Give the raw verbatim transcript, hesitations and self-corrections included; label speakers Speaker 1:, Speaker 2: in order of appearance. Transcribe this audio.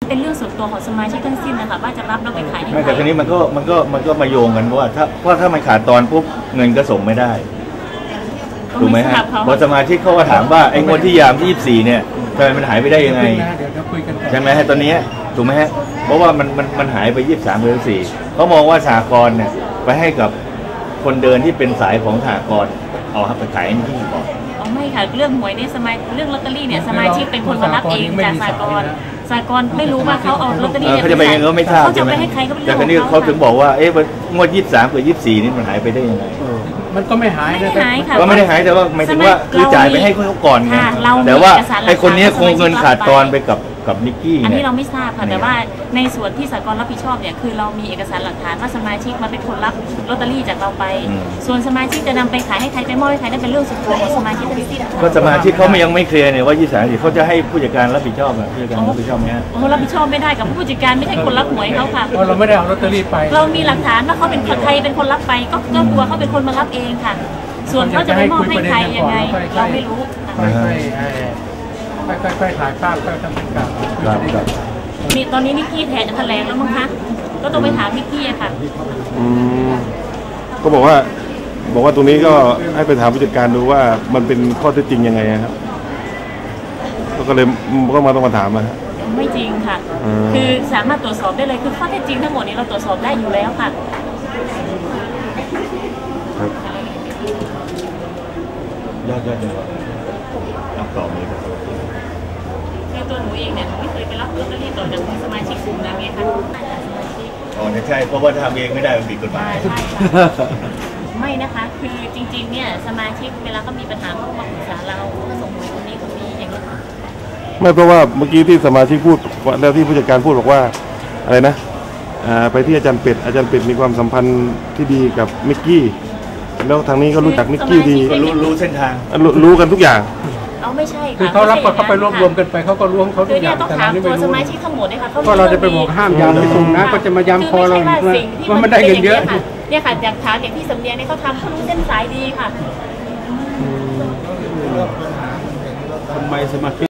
Speaker 1: เป็นเรื่องส่วนตัวของสมาชิกทั้งสิ้นนะคะว่าจะรับแล้วไปขายให้ใคร
Speaker 2: ไม่แต่ทีนี้มันก็มันก็มันก็มาโยงกันว่าถ้าเพราะถ้ามันขาดตอนปุ๊บเงินก็ส่งไม่ได้ถูกไหมฮะพอสมาชิกเขาก็ถามว่าไอ้งวดที่ยามที่ยี่สิบสี่เนี่ยทำไมมันหายไปได้ยังไงใช่ไหมฮะตอนนี้ถูกไหมฮะเพราะว่ามันมันมันหายไปยี่สิบสามเดือนสี่เขามองว่าสหกรณ์เนี่ยไปให้กับคนเดินที่เป็นสายของสหกรณ์เอาไปขายที่ก่อน
Speaker 1: อ๋อไม่ค่ะเรื่องหวยนี่สมาเรื่องลอตเตอรี่เนี่ยสมาชิกเป็นคนมารับเองจากสหกรณ์สหกรณ์ไม่รู้ว่าเขาเอาลอตเตอรี่
Speaker 2: เขาจะไปยังไงก็ไม่ทราบ
Speaker 1: เขาจะไปให้ใครก็ไม่รู้แต่
Speaker 2: คราวนี้เขาถึงบอกว่าเอ๊ะงวดยี่สิบสามกับยี่สิบสี่นี่มันหายไปได้ยังไง
Speaker 3: มันก็ไม่หายนะ
Speaker 2: ก็ไม่ได้หายแต่ว่าหมายถึงว่าคือจ่ายไปให้เขาก่อนไงแต่ว่าไอ้คนนี้คงเงินขาดตอนไปกับกับนิกกี้
Speaker 1: อันนี้เราไม่ทราบค่ะแต่ว่าในส่วนที่สหกรณ์รับผิดชอบเนี่ยคือเรามีเอกสารหลักฐานว่าสมาชิกมาเป็นคนรับลอตเตอรี่จากเราไปส่วนสมาชิกจะนำไปขายให้ใครไปมอบให้ใครนั่นเป็นเรื่องส่วนตัวของสมาชิกทั้งสิ้น
Speaker 2: ก็สมาชิกเขายังไม่เคลียร์เนี่ยว่ายี่สิบสามเขาจะให้ผู้จัดการรับผิดชอบอ่ะผู้จัดการรับผิดชอบไหมฮะ
Speaker 1: โอ้รับผิดชอบไม่ได้กับผู้จัดการไม่ใช่คนรับหวยเขาค่ะ
Speaker 3: เราไม่ได้เอาลอตเตอรี่ไป
Speaker 1: เรามีหลักฐานว่าเขาเป็นใครเป็นคนรับไปก็ก็ตัวเขาเป็นคนมารับเองค่ะส่วนเขาจะไปมอบให้ใครยังไงเราไม่รู้
Speaker 3: ค่อยๆค่อยๆถ่ายภาพค่อยๆทำเป็นกราฟ
Speaker 1: มีตอนนี้นิกกี้แทนจะแถลงแล้วมั้งคะก็ต้องไปถามนิกกี้ค่ะ
Speaker 4: อืมก็บอกว่าบอกว่าตรงนี้ก็ให้ไปถามผู้จัดการดูว่ามันเป็นข้อเท็จจริงยังไงครับก็เลยก็มาต้องมาถามนะฮะ
Speaker 1: ไม่จริงค่ะคือสามารถตรวจสอบได้เลยคือข้อเท็จจริงทั้งหมดนี้เราตรวจสอบได้อยู่แล้วค่ะ
Speaker 2: ยอดยอดเลยรับต่อเลยครับ
Speaker 1: คือตัวหนูเองเนี่ยไม่เคยไปรับลอตเตอรี่ต่อจากสมาชิกกลุ่มนั้นไงคะ
Speaker 2: อ๋อใช่เพราะว่าทำเองไม่ได้มันผิดกฎหมาย
Speaker 1: ไม่นะคะคือจริงๆเนี่ยสมาชิกเวลาเขามีปัญหาเขามาปรึกษาเราเขาส่งหวยคนนี้คนนี้อย่างนี้
Speaker 4: ไม่เพราะว่าเมื่อกี้ที่สมาชิกพูดแล้วที่ผู้จัดการพูดบอกว่าอะไรนะไปที่อาจารย์เป็ดอาจารย์เป็ดมีความสัมพันธ์ที่ดีกับมิกกี้แล้วทางนี้ก็รู้จักมิกกี้ดี
Speaker 2: รู้รู้เส้นทาง
Speaker 4: รู้กันทุกอย่าง
Speaker 1: เอาไม่ใช่
Speaker 3: คือเขารับเขาไปรวบรวมกันไปเขาก็รวมเขาทุกอย่าง
Speaker 1: แต่เราไม่รู้สมาชิกทั้งหมดเลยค่ะ
Speaker 3: ก็เราจะไปบอกห้ามยามไปส่งนะก็จะมาย้ำคอเราอีกว่ามันได้เงินเยอะ
Speaker 1: เนี่ยค่ะจากฐานอย่างที่สำเนียงเนี่ยเขาทำเขารู้เส้นสายดีค่ะ
Speaker 2: ทำไมสมาชิก